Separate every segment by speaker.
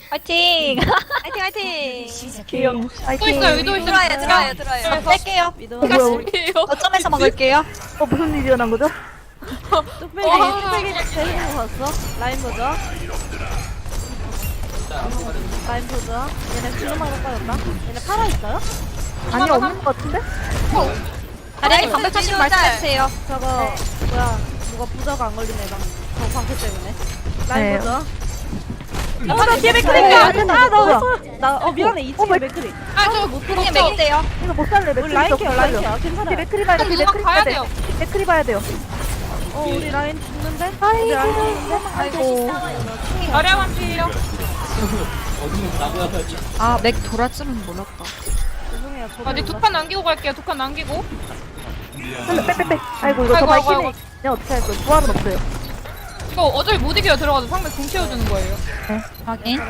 Speaker 1: 화이팅!
Speaker 2: 화이팅 화이팅.
Speaker 1: 귀여워.
Speaker 3: 또
Speaker 1: 화이팅.
Speaker 3: 있어요. 위도 있어요.
Speaker 2: 들어요.
Speaker 1: 뺄게요.
Speaker 2: 미도.
Speaker 3: 제가
Speaker 1: 뭐야,
Speaker 3: 쓸게요.
Speaker 1: 거점에서 먹을게요.
Speaker 4: 무슨 일이 일어난 거죠?
Speaker 2: 뚝배기 제일 거 봤어? 라인 보자. 라인 보자. 얘네 주름하고 빠졌다. 얘네 팔아 있어요?
Speaker 4: 아니 없는 것 같은데?
Speaker 1: 다리아님 방금 차신 말씀해주세요.
Speaker 2: 저거 뭐야? 뭐가 부자가 안 걸리네 방. 저 방패 때문에. 라인
Speaker 4: 네.
Speaker 2: 보자.
Speaker 1: 나 뒤에
Speaker 4: 맥크리야.
Speaker 2: 나 미안해 2층에 맥크리.
Speaker 3: 아저
Speaker 1: 맥크리 맥인데요.
Speaker 4: 이거 못 살래.
Speaker 2: 우리 라인 케어 라인 케어 괜찮아.
Speaker 4: 맥크리 봐야 돼.
Speaker 3: 누가
Speaker 4: 맥크리
Speaker 3: 가야
Speaker 4: 봐야 돼.
Speaker 3: 돼요.
Speaker 4: 맥크리 봐야 돼요.
Speaker 2: 우리 라인 죽는데? 우리 라인 죽는데?
Speaker 4: 아이고.
Speaker 3: 아량한 피해요.
Speaker 1: 아, 맥 돌아쯤은 몰랐다.
Speaker 2: 죄송해요. 저도
Speaker 3: 아직 두 판 남기고 갈게요. 두 판 남기고.
Speaker 4: 빼빼빼. 아이고 이거 저
Speaker 3: 아이고,
Speaker 4: 발키리.
Speaker 3: 아이고.
Speaker 4: 그냥 어떻게 할 거야? 부활은 없어요.
Speaker 3: 이거 어차피 못 이겨요. 들어가서 상대 궁 채워주는 거예요.
Speaker 1: 확인.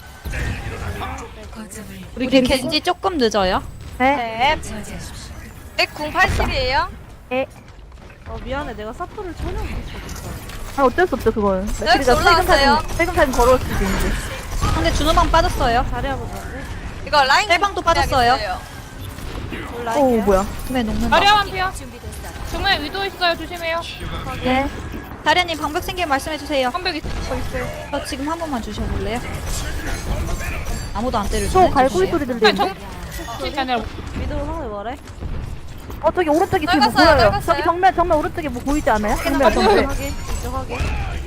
Speaker 4: 우리
Speaker 1: 우리 겐지 조금 늦어요.
Speaker 4: 네.
Speaker 2: 맥궁 80이에요?
Speaker 4: 에.
Speaker 2: 미안해. 내가 사프를 전혀 못했어.
Speaker 4: 아 어쩔 수 없죠 그건.
Speaker 2: 여기 올라왔어요.
Speaker 4: 세금 사진 걸어올 수도 있는데.
Speaker 1: 상대 준호방 빠졌어요.
Speaker 2: 잘해보자고.
Speaker 5: 이거 라인
Speaker 1: 셀방도 빠졌어요.
Speaker 4: 오 뭐야?
Speaker 1: 왜 녹는다.
Speaker 3: 아량한 피해. 정말 위도 있어요. 조심해요.
Speaker 4: 네.
Speaker 1: 다리아님 방벽 생기면 말씀해주세요.
Speaker 3: 한벽 있어요.
Speaker 1: 저 지금 한 번만 주셔볼래요? 아무도 안
Speaker 4: 또
Speaker 1: 때려주네.
Speaker 4: 갈고리 소리
Speaker 3: 그냥
Speaker 4: 들리는데.
Speaker 3: 정치 아니라
Speaker 2: 미드로 상대 뭐래?
Speaker 4: 저기 오른쪽에 지금 뭐
Speaker 5: 넓었어요,
Speaker 4: 보여요.
Speaker 5: 넓었어요.
Speaker 4: 저기 정면 오른쪽에 뭐 보이지 않아요? 정면 정면.
Speaker 2: 확인. 이쪽 확인.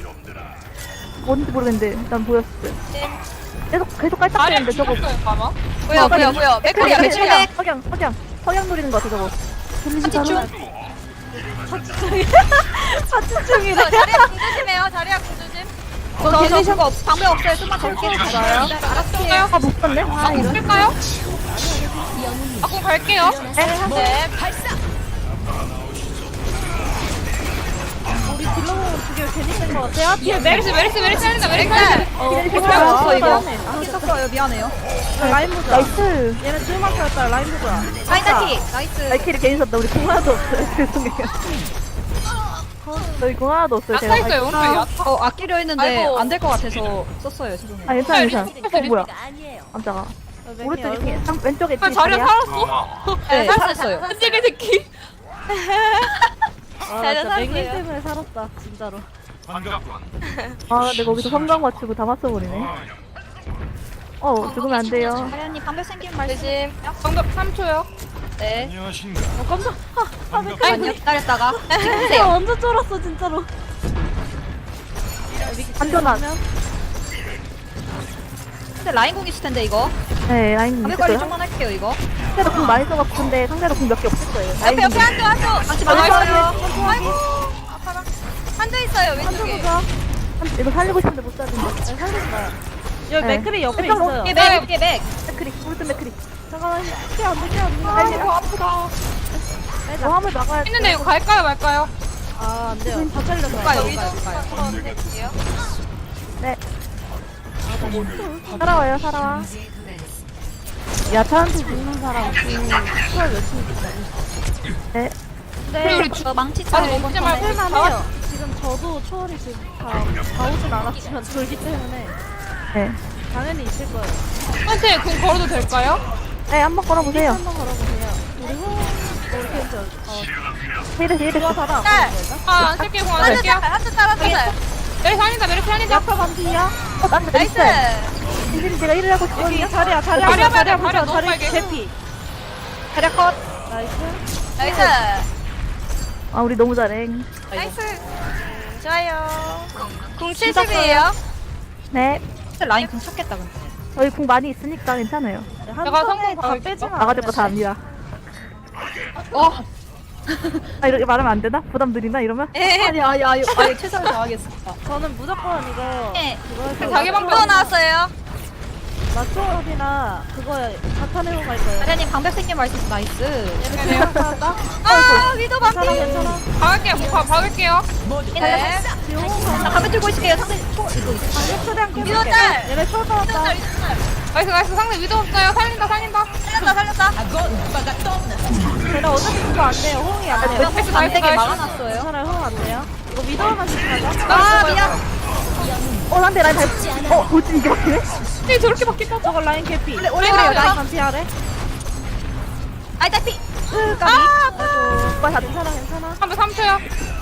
Speaker 4: 뭔지 모르겠는데 일단 보였어요. 계속 깔짝거리는데 저거.
Speaker 3: 아마.
Speaker 5: 뭐야 맥크리야 맥크리야
Speaker 4: 석양 노리는 거 같아 저거.
Speaker 1: 한치충.
Speaker 5: 이거 자리야 궁 조심해요 자리야 궁 조심
Speaker 1: 저 겐지 거 방벽 없어요. 좀만 덜게
Speaker 3: 알았어요.
Speaker 4: 아못 봤네. 아
Speaker 3: 아궁
Speaker 4: 이런.
Speaker 3: 쓸까요? 아궁 갈게요.
Speaker 5: 네
Speaker 2: 우리 딜러공 두개 괜히 쓴거 같아요?
Speaker 3: 뒤에 메르스 살린다. 메르스
Speaker 1: 방벽 없어 이거.
Speaker 2: 안
Speaker 1: 썼어요. 미안해요.
Speaker 2: 라인 보자.
Speaker 4: 나이스.
Speaker 2: 얘네 줄만 펴였다. 라인 보자.
Speaker 1: 사이다티. 나이스.
Speaker 4: 발키리 괜히 썼다. 우리 공 하나도 없어요. 죄송해요. 저희 공 하나도 없어요.
Speaker 3: 아까 있어요. 오른쪽에 아까.
Speaker 1: 아끼려 했는데
Speaker 5: 아이고.
Speaker 1: 안 될 것 같아서 썼어요. 죄송해요.
Speaker 4: 아 괜찮아. 뭐야? 깜짝아.
Speaker 2: 맥이
Speaker 4: 오른쪽에
Speaker 2: 얼굴-
Speaker 4: 뒤에 왼쪽에
Speaker 3: 아,
Speaker 4: 뒤에
Speaker 3: 자리야
Speaker 4: 자리야?
Speaker 3: 살았어.
Speaker 1: 네, 살았어요.
Speaker 3: 한지리 새끼.
Speaker 2: 나
Speaker 5: 잘
Speaker 2: 진짜 맥님
Speaker 5: 살았어요.
Speaker 2: 때문에 살았다. 진짜로.
Speaker 4: 아 근데 거기서 성광 맞추고 다 맞춰버리네. 죽으면 안 돼요.
Speaker 1: 다리아님 방벽 생기면 말씀.
Speaker 5: 조심
Speaker 3: 정답 3초요.
Speaker 1: 네.
Speaker 2: 깜짝.
Speaker 1: 아니요. 기다렸다가
Speaker 2: 내가
Speaker 1: 찍으세요.
Speaker 2: 완전 쫄았어 진짜로.
Speaker 4: 안전한.
Speaker 1: 근데 라인 공 있을 텐데 이거.
Speaker 4: 네 라인
Speaker 1: 방벽 관리
Speaker 4: 있어요.
Speaker 1: 좀만 할게요 이거.
Speaker 4: 상대도 공 많이 써갖고 근데 상대도 공 몇 개 없을 거예요.
Speaker 5: 옆에 한조
Speaker 1: 같이
Speaker 5: 맞았어요
Speaker 1: 맞았어요.
Speaker 5: 아이고 아파라 한조 있어요 왼쪽에
Speaker 2: 보자.
Speaker 4: 이거 살리고 싶은데 못 살린다.
Speaker 2: 살리지 마요. 여기
Speaker 4: 네.
Speaker 2: 맥크리 옆에
Speaker 4: 일단
Speaker 2: 있어요.
Speaker 1: 이게 맥, 이게 맥.
Speaker 4: 맥크리 오른쪽 맥크리.
Speaker 2: 잠깐만. 피안 돼, 피안 돼.
Speaker 3: 아이고 아프다.
Speaker 4: 저 화물 막아야 돼.
Speaker 3: 했는데 이거 갈까요 말까요?
Speaker 2: 안 돼요. 다 잘렸어요.
Speaker 1: 가요,
Speaker 5: 위도
Speaker 1: 가요, 가요.
Speaker 5: 들어올게요
Speaker 4: 네. 살아와요 살아와. 야타한테 죽는 사람
Speaker 2: 추월 열심히 듣자.
Speaker 4: 네.
Speaker 3: 그리고 우리
Speaker 1: 저 망치
Speaker 3: 아니
Speaker 1: 차고
Speaker 3: 먹지 말고
Speaker 2: 할만해요. 지금 저도 초월이 지금 다 오진 않았지만 돌기 때문에
Speaker 4: 네.
Speaker 2: 당연히 있을 거예요.
Speaker 3: 한테 궁 걸어도 될까요?
Speaker 4: 네 한번 걸어보세요.
Speaker 2: 한번 걸어보세요. 우리 우리 펜저
Speaker 4: 힐을
Speaker 2: 좋아 받아.
Speaker 5: 짤
Speaker 3: 아안 쓸게요. 궁안
Speaker 5: 한조
Speaker 3: 쓸게요.
Speaker 5: 짤 한조 따랐어요
Speaker 3: 메르스 살린다.
Speaker 2: 야타 반피야.
Speaker 4: 나한테
Speaker 5: 나이스
Speaker 4: 이들이 제가 일을 하고 싶거든요.
Speaker 2: 여기 자리야
Speaker 3: 자리야
Speaker 2: 자리야
Speaker 3: 봐야 돼,
Speaker 2: 자리야
Speaker 3: 자리야
Speaker 2: 보자.
Speaker 3: 너무
Speaker 2: 자리
Speaker 3: 빨개.
Speaker 2: 대피.
Speaker 1: 다리아 컷.
Speaker 2: 나이스.
Speaker 5: 나이스
Speaker 4: 아 우리 너무 잘해.
Speaker 5: 나이스 좋아요 궁 70이에요
Speaker 4: 네.
Speaker 1: 근데 라인 공 찾겠다 근데.
Speaker 4: 저희 공 많이 있으니까 괜찮아요.
Speaker 2: 한
Speaker 3: 내가
Speaker 2: 번에
Speaker 3: 성공
Speaker 2: 다
Speaker 3: 받을
Speaker 2: 빼지 마.
Speaker 4: 나가질 거 다 압니다. 아 이렇게 말하면 안 되나? 부담 드리나 이러면?
Speaker 1: 아니 최선을 다하겠습니다.
Speaker 2: 저는 무조건 이거
Speaker 1: 네.
Speaker 2: 그거 해서
Speaker 3: 자기 방법
Speaker 5: 또 나왔어요
Speaker 2: 맞초월이나 그거 자탄해고 갈 거예요.
Speaker 1: 다리아님 방벽 생기면 말씀. 나이스.
Speaker 3: 괜찮아요.
Speaker 2: 괜찮다.
Speaker 5: 아 위도 반피
Speaker 2: 괜찮아 괜찮아.
Speaker 3: 박을게요. 박을게요.
Speaker 5: 네
Speaker 1: 나 방벽 들고 있을게요. 상대 초 이거 있어.
Speaker 2: 방금 최대한 깨볼게.
Speaker 5: 위도 짤!
Speaker 2: 얘네 초월
Speaker 5: 위도
Speaker 2: 받았다.
Speaker 5: 짤 위도 짤
Speaker 3: 나이스 상대 위도 없어요. 살린다.
Speaker 5: 살렸다
Speaker 2: 걔네 어차피 그거 안 돼요. 호응이 안 돼요.
Speaker 1: 안 되게 막아놨어요.
Speaker 2: 괜찮아요. 호응 안 돼요. 이거 위도만 집중하자.
Speaker 5: 아 미안
Speaker 4: 난데 라인 돌진 이게 막히네?
Speaker 3: 네, 저렇게 바뀐다.
Speaker 2: 저거 라인 개피.
Speaker 5: 오래
Speaker 3: 오래
Speaker 2: 라인
Speaker 3: 걸려.
Speaker 2: 반피하래.
Speaker 5: 아이 딸피.
Speaker 2: 오빠 다 괜찮아.
Speaker 3: 3초요.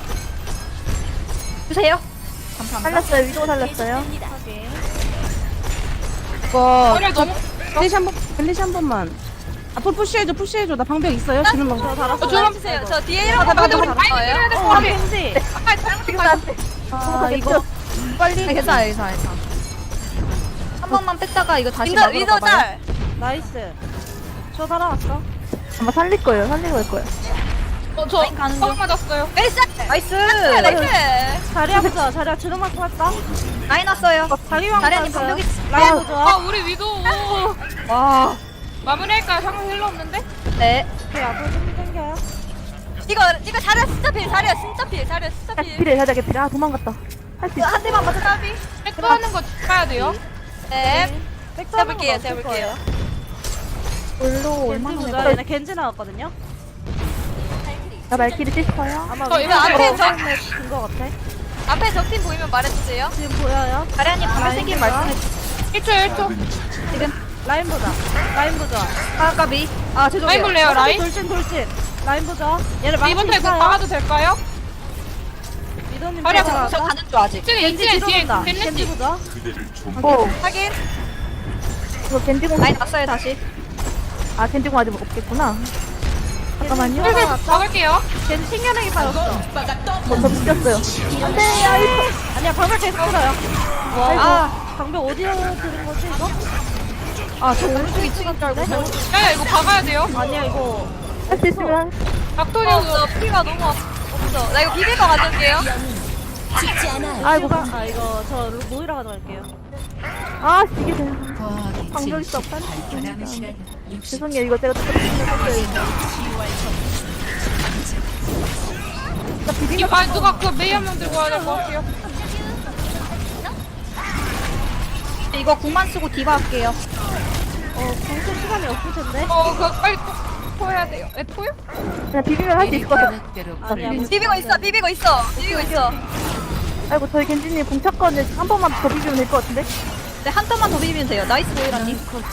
Speaker 5: 주세요.
Speaker 4: 살렸어요. 위도 살렸어요.
Speaker 6: 이거
Speaker 3: 머리를 너무.
Speaker 6: 벨리시 한 번만. 앞으로 푸시해줘. 나 방벽 있어요. 지금 방벽.
Speaker 2: 달았어.
Speaker 3: 저런-
Speaker 5: 주세요. 저 뒤에 이런 거
Speaker 3: 근데 우리
Speaker 5: 보고
Speaker 3: 많이
Speaker 5: 거예요.
Speaker 3: 때려야 될것
Speaker 2: 어,
Speaker 3: 같아.
Speaker 2: 겐지.
Speaker 3: 아까 잘못된
Speaker 4: 지금
Speaker 3: 거
Speaker 4: 나한테.
Speaker 2: 이거
Speaker 4: 빨리.
Speaker 5: 괜찮아. 한 번만 뺐다가 이거 다시 막으러
Speaker 2: 위도
Speaker 5: 가봐요.
Speaker 2: 짤. 나이스. 저 살아왔어.
Speaker 4: 아마 살릴 거예요. 살리고 갈 거예요.
Speaker 3: 저
Speaker 5: 가는 중.
Speaker 3: 뻥 맞았어요.
Speaker 5: 나이스. 나이스.
Speaker 2: 자리야 보자. 자리야 주름 맞고 왔다.
Speaker 5: 라인 왔어요.
Speaker 2: 자리왕
Speaker 5: 자리아님
Speaker 2: 땄어요.
Speaker 5: 방벽이
Speaker 2: 라인
Speaker 3: 아,
Speaker 2: 보자.
Speaker 3: 우리 위도.
Speaker 5: 와.
Speaker 3: 마무리할까요? 상대 힐러 없는데?
Speaker 5: 네.
Speaker 2: 오케이 앞으로 좀 당겨요.
Speaker 5: 이거 자리야 진짜 필. 자리야 진짜
Speaker 4: 아,
Speaker 5: 필.
Speaker 4: 필해. 살짝 필해. 도망갔다. 할 수 있어.
Speaker 5: 한 대만 맞아 따비.
Speaker 3: 백도하는 거 봐야 돼요.
Speaker 5: 네.
Speaker 2: 백도하는
Speaker 5: 제가
Speaker 2: 건
Speaker 5: 볼게요.
Speaker 2: 없을
Speaker 4: 올로
Speaker 2: 거예요.
Speaker 4: 얼마나
Speaker 2: 겐지
Speaker 4: 해
Speaker 2: 보자. 얘네 겐지 나왔거든요.
Speaker 4: 나 말길이 뛸 거야.
Speaker 2: 아마
Speaker 3: 저 이거 앞에
Speaker 2: 된거 같아.
Speaker 5: 앞에 적팀 보이면 말해주세요.
Speaker 2: 지금 보여요.
Speaker 5: 자리아님 방금 생긴 말씀해
Speaker 3: 1초.
Speaker 2: 라인 보자. 라인 보자.
Speaker 5: 아 까비. 아
Speaker 3: 라인
Speaker 5: 죄송해요.
Speaker 3: 볼래요, 라인?
Speaker 2: 돌진. 라인 보자. 얘네 망치
Speaker 3: 이번 타입
Speaker 2: 있어요.
Speaker 3: 박아도 될까요?
Speaker 2: 미도님
Speaker 3: 자리야,
Speaker 2: 보자.
Speaker 5: 저 가는 줄 아직.
Speaker 3: 지금
Speaker 2: 겐지
Speaker 3: 2층에 뒤에
Speaker 2: 들어온다. 겐지
Speaker 3: 겐지.
Speaker 2: 보자.
Speaker 5: 확인.
Speaker 4: 이거 겐지공.
Speaker 5: 라인 왔어요 다시.
Speaker 4: 아, 겐지공 아직 없겠구나. 잠깐만요.
Speaker 3: 슬슬 박을게요.
Speaker 2: 겐지 튕겨내기 빠졌어.
Speaker 4: 저 비겼어요.
Speaker 2: 아니야 방벽 계속 풀어요.
Speaker 5: 아.
Speaker 2: 방벽 어디로 들은 거지 이거?
Speaker 5: 저 오른쪽 2층인 줄 알고.
Speaker 3: 야, 이거 박아야 돼요.
Speaker 2: 아니야 이거.
Speaker 4: 할 수 있으면.
Speaker 3: 박토리
Speaker 5: 없어. 피가 너무 없어. 나 이거 비비가 가져올게요.
Speaker 4: 아이고.
Speaker 2: 아 이거 저 모이라 가져갈게요.
Speaker 4: 아, 이게 돼. 방벽 있어. 죄송해요. 이거 제가 조금
Speaker 3: 누가 그 메이 한 명 들고 와야 될 것 같아요.
Speaker 5: 이거 궁만 쓰고 디바 할게요.
Speaker 2: 공쓸 시간이 없을 텐데.
Speaker 3: 그거 빨리 토해야 돼요. 토요?
Speaker 4: 그냥 비비면 할 수 있을 것 같아.
Speaker 2: 아니야.
Speaker 5: 비비고 있어.
Speaker 4: 아이고, 저희 겐지님 공차권을 한 번만 더 비비면 될 것 같은데?
Speaker 5: 네, 한 턴만 더 비비면 돼요. 나이스 보이라님.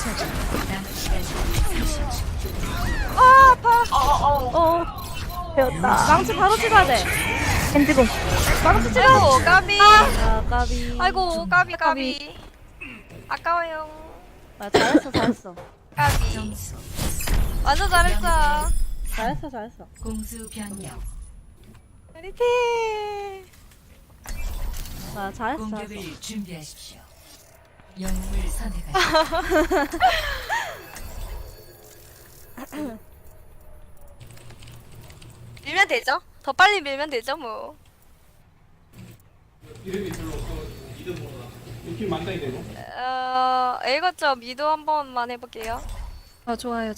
Speaker 5: 아, 아파.
Speaker 4: 배웠다.
Speaker 2: 망치 바로 찍어야 돼.
Speaker 4: 겐지공.
Speaker 2: 망치 찍어.
Speaker 5: 아이고, 까비.
Speaker 2: 아 까비.
Speaker 5: 아이고, 까비. 아까워요.
Speaker 2: 아, 잘했어.
Speaker 5: 까비. 완전 잘했어.
Speaker 2: 잘했어.
Speaker 7: 공수 변경.
Speaker 5: 리티.
Speaker 2: 아 잘했어.
Speaker 7: 공격을 준비하십시오. 영웅을 선택하십시오.
Speaker 5: 밀면 되죠? 더 빨리 밀면 되죠, 뭐. 읽었죠? 미도 한 번만 해볼게요. 좋아요.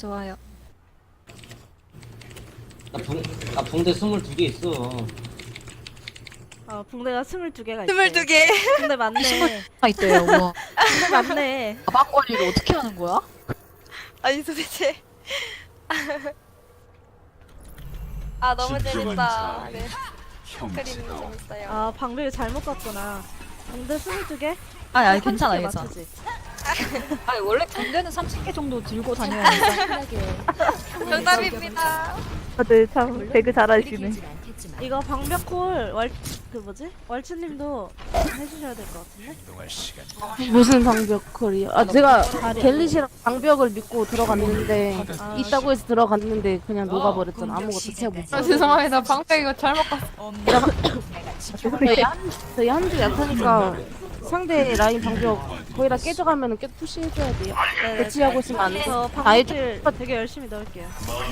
Speaker 8: 나 붕대 22개 있어.
Speaker 2: 아 붕대가 22개가 있어.
Speaker 5: 22개.
Speaker 2: 붕대 맞네.
Speaker 1: 있대요. 뭐
Speaker 2: 붕대 맞네.
Speaker 1: 가방걸이를 어떻게 하는 거야?
Speaker 5: 아니, 도대체. 아, 너무 재밌다. 네. 그림 재밌어요.
Speaker 2: 아 방벽이 잘못 갔구나. 붕대 22개?
Speaker 1: 아니 괜찮아.
Speaker 2: 맞추지.
Speaker 1: 아니 원래 군대는 30개 정도 들고 다녀야 돼.
Speaker 5: 정답입니다.
Speaker 4: 다들 참 배그 잘하시네.
Speaker 2: 이거 방벽콜 월츠님도 해주셔야 될 것 같은데?
Speaker 6: 무슨 방벽 컬이요? 아, 제가 갤릿이랑 방벽을 믿고 들어갔는데 있다고 해서 들어갔는데 그냥 녹아버렸잖아. 아무것도 채 못.
Speaker 3: 죄송합니다. 방패 이거 잘못 갔어.
Speaker 6: 저희 한주 약하니까 상대 라인 방벽 거의 다 깨져가면은 계속 푸시해줘야 돼요. 배치하고 있으면 안 돼.
Speaker 2: 저
Speaker 6: 다 해줘.
Speaker 2: 방벽을 되게 열심히 넣을게요.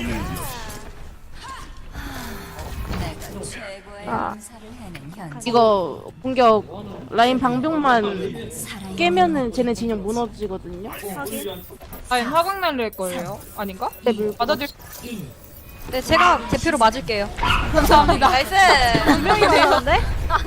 Speaker 7: 최고의
Speaker 4: 아.
Speaker 7: 용사를 하는 현장.
Speaker 6: 이거 공격 라인 방벽만 깨면은 쟤네 진영 무너지거든요.
Speaker 3: 아니, 화강 날릴 거예요. 아닌가?
Speaker 6: 네, 물고.
Speaker 3: 맞아줄.
Speaker 5: 네, 제가 대표로 맞을게요.
Speaker 3: 감사합니다.
Speaker 5: 나이스.
Speaker 2: 분명히 되는데?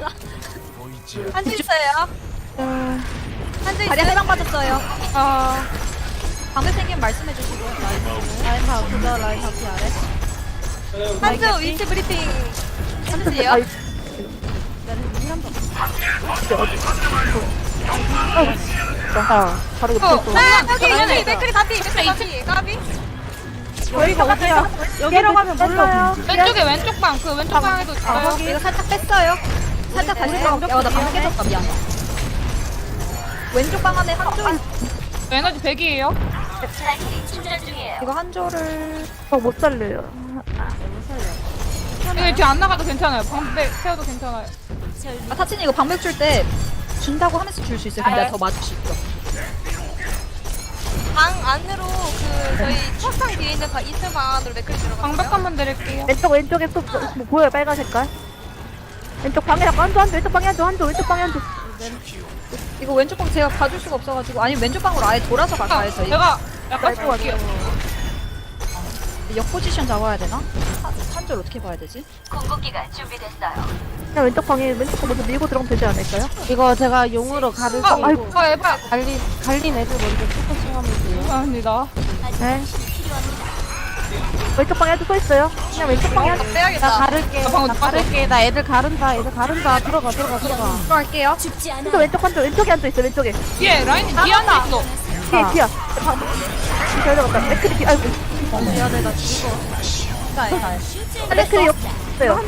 Speaker 5: 한주 있어요. 한주 있어요. 해방 받았어요. 방금 생긴 말씀해 주시고.
Speaker 2: 라인 다 보자. 라인 바피 아래.
Speaker 5: 한주 위치 브리핑 해주세요.
Speaker 2: 나는 2한 번.
Speaker 6: 바로 옆에 있어.
Speaker 5: 여기 맥크리 가비 가비.
Speaker 2: 저희가 어디야? 여기로 가면 몰라요.
Speaker 3: 왼쪽에 왼쪽 방, 그 왼쪽 방에도 있어요.
Speaker 1: 이거 살짝 뺐어요. 살짝 다시 들어갈게요. 나 방금 깨졌다. 미안. 왼쪽 방 안에 한조
Speaker 3: 에너지 100이에요.
Speaker 1: 이거 한조를
Speaker 4: 못 살려요.
Speaker 3: 이거 뒤에 안 나가도 괜찮아요. 방백 세워도 괜찮아요.
Speaker 1: 타친이 이거 방벽 줄 때 준다고 하면서 줄 수 있어요. 근데 더 맞을 수 있어.
Speaker 5: 방 안으로 그 저희 책상 뒤에 있는 2층 방 안으로 맥크리 들어가.
Speaker 3: 방백 한번 드릴게요.
Speaker 4: 왼쪽에 또 뭐 보여요, 빨간 색깔. 왼쪽 방에 한조, 왼쪽 방에 한조, 왼쪽 방에 한조.
Speaker 1: 이거 왼쪽 방 제가 봐줄 수가 없어가지고 아니 왼쪽 방으로 아예 돌아서 갈까요 저희?
Speaker 3: 제가 약간 볼게요.
Speaker 1: 역 포지션 잡아야 되나? 한줄 어떻게 봐야 되지?
Speaker 4: 그냥 왼쪽 방에 왼쪽 방 먼저 밀고 들어가면 되지 않을까요?
Speaker 6: 이거 제가 용으로 가를
Speaker 3: 아,
Speaker 6: 끼고
Speaker 3: 이거 에바.
Speaker 6: 갈린 애들 먼저 포커싱 하면 돼요.
Speaker 3: 감사합니다.
Speaker 4: 네. 왼쪽 방에 한조 서 있어요. 그냥 왼쪽 방에 한조.
Speaker 6: 나
Speaker 5: 빼야겠다.
Speaker 6: 가를게.
Speaker 3: 방금
Speaker 6: 나 가를게. 나 애들 가른다. 들어가.
Speaker 1: 들어갈게요.
Speaker 4: 한조 왼쪽에 한조 있어, 왼쪽에.
Speaker 3: 뒤에 라인이 뒤에 앉아 있어.
Speaker 4: 뒤야. 잘 들어갔다. 맥크리 뒤, 아이고. 맥크리 옆 있어요.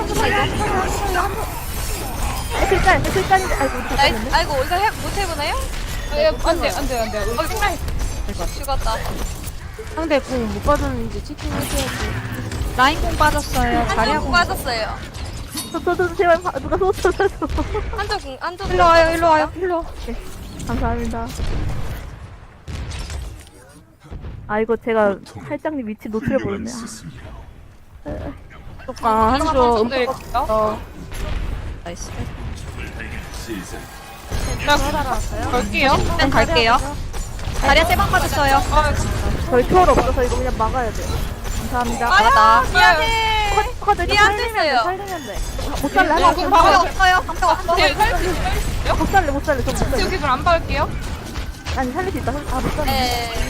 Speaker 4: 맥크리 짤인데, 아이고.
Speaker 5: 아이고 이거 못 해보나요?
Speaker 3: 안돼.
Speaker 5: 죽었다.
Speaker 6: 상대 공 못 받았는지 치킨 해줘야지.
Speaker 1: 라인 공 빠졌어요. 자리야
Speaker 5: 한쪽
Speaker 1: 공.
Speaker 5: 빠졌어요.
Speaker 4: 저 제발 누가 소스를 줘.
Speaker 5: 한쪽
Speaker 1: 일로 와요.
Speaker 4: 감사합니다. 아 이거 제가 살짝님 위치 노출해버렸네.
Speaker 6: 아, 한조
Speaker 3: 드릴게요.
Speaker 1: 나이스.
Speaker 3: 갈게요.
Speaker 1: 일단 갈게요. 자리야 세방 빠졌어요.
Speaker 4: 저희 초월 없어서 이거 그냥 막아야 돼요. 감사합니다.
Speaker 5: 아야 미안해. 미안했어요.
Speaker 4: 살리면 돼. 못 살래.
Speaker 3: 어, 그럼 방금
Speaker 1: 없어요. 방벽 없어.
Speaker 3: 뒤에 살릴 수 있어요?
Speaker 4: 못 살래. 저 못 살래.
Speaker 3: 여기 좀 안 박을게요.
Speaker 4: 아니 살릴 수 있다. 아 못 살래.
Speaker 5: 네.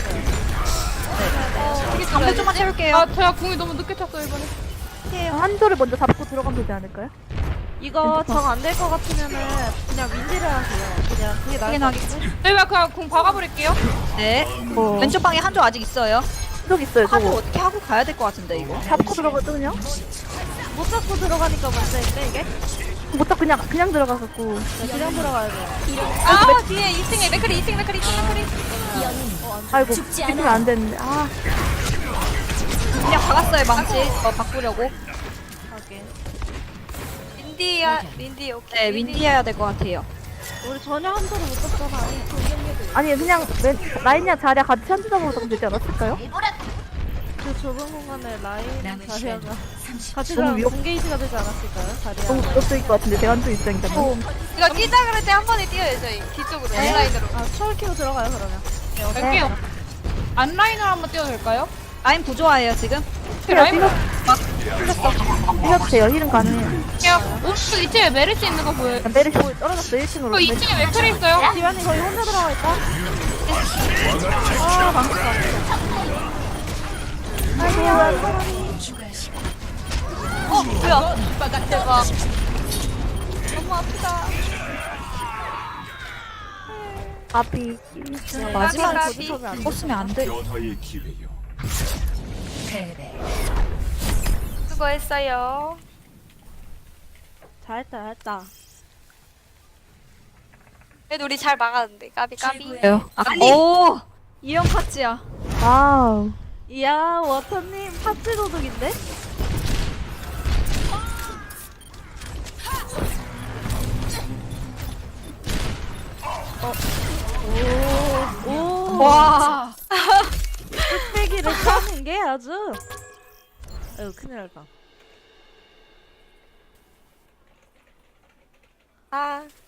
Speaker 1: 방벽 좀만 채울게요.
Speaker 3: 아, 제가 궁이 너무 늦게 찼어요 이번에.
Speaker 4: 한조를 먼저 잡고 들어가면 되지 않을까요?
Speaker 2: 이거 정 안 될 것 같으면은 그냥 윈디를 하세요. 그냥 그게 나을 것 같은데.
Speaker 3: 저희가 그냥 궁 박아버릴게요.
Speaker 1: 네.
Speaker 4: 어.
Speaker 1: 왼쪽 방에 한조 아직 있어요.
Speaker 4: 한조 있어요.
Speaker 1: 한조
Speaker 4: 저거
Speaker 1: 어떻게 하고 가야 될 것 같은데 이거.
Speaker 4: 잡고 들어가거든요.
Speaker 2: 못 잡고 들어가니까 문제인데 이게?
Speaker 4: 못 잡고 그냥 들어가갖고.
Speaker 2: 그냥 들어가야 돼요.
Speaker 5: 아 뒤에 2층에 맥크리.
Speaker 4: 아이고 찍히면 안 되는데. 아
Speaker 1: 그냥 박았어요 망치. 바꾸려고.
Speaker 5: 윈디 오케이.
Speaker 1: 네 윈디 해야 될 것 같아요.
Speaker 2: 우리 전혀 한 소리 못 듣잖아.
Speaker 4: 아니 그냥 라인이랑 자리야 같이 한조 잡으면 되지 않았을까요?
Speaker 2: 그 좁은 공간에 라인
Speaker 7: 남은
Speaker 2: 자리아가
Speaker 7: 시간
Speaker 2: 같이
Speaker 4: 너무
Speaker 2: 가면
Speaker 4: 위협-
Speaker 2: 공게이지가 되지 않았을까요? 자리아.
Speaker 4: 너무 무섭을 것 같은데 제가 한조 입장이잖아.
Speaker 5: 이거 뛰자 그럴 때 한 번에 뛰어요 저희 뒤쪽으로 온라인으로.
Speaker 2: 아 초월 키고 들어가요 그러면.
Speaker 3: 갈게요. 안라인으로 한번 띄워도 될까요?
Speaker 1: 라인 부조화예요 지금.
Speaker 3: 라인
Speaker 4: 뛰어도 돼요. 힐은 가능해요.
Speaker 3: 볼게요. 오른쪽 2층에 메르시 있는 거 보여요.
Speaker 4: 메르시 떨어졌어 1층으로.
Speaker 3: 그 2층에 맥클이 있어요.
Speaker 2: 기환이 거의 혼자 들어가 있다.
Speaker 5: 뭐야? 대박. 너무 아프다.
Speaker 4: 앞이
Speaker 1: 마지막에
Speaker 5: 가비.
Speaker 1: 꽂으면 안 돼.
Speaker 7: 패배.
Speaker 5: 수고했어요.
Speaker 2: 잘했다.
Speaker 5: 그래도 우리 잘 막았는데 까비.
Speaker 1: 오 이형 파츠야.
Speaker 4: 와우.
Speaker 2: 이야 워터님 파츠 도둑인데? 오.
Speaker 1: 와.
Speaker 2: 뚝배기를 까는 게 아주. 아유 큰일 날 뻔.
Speaker 5: 아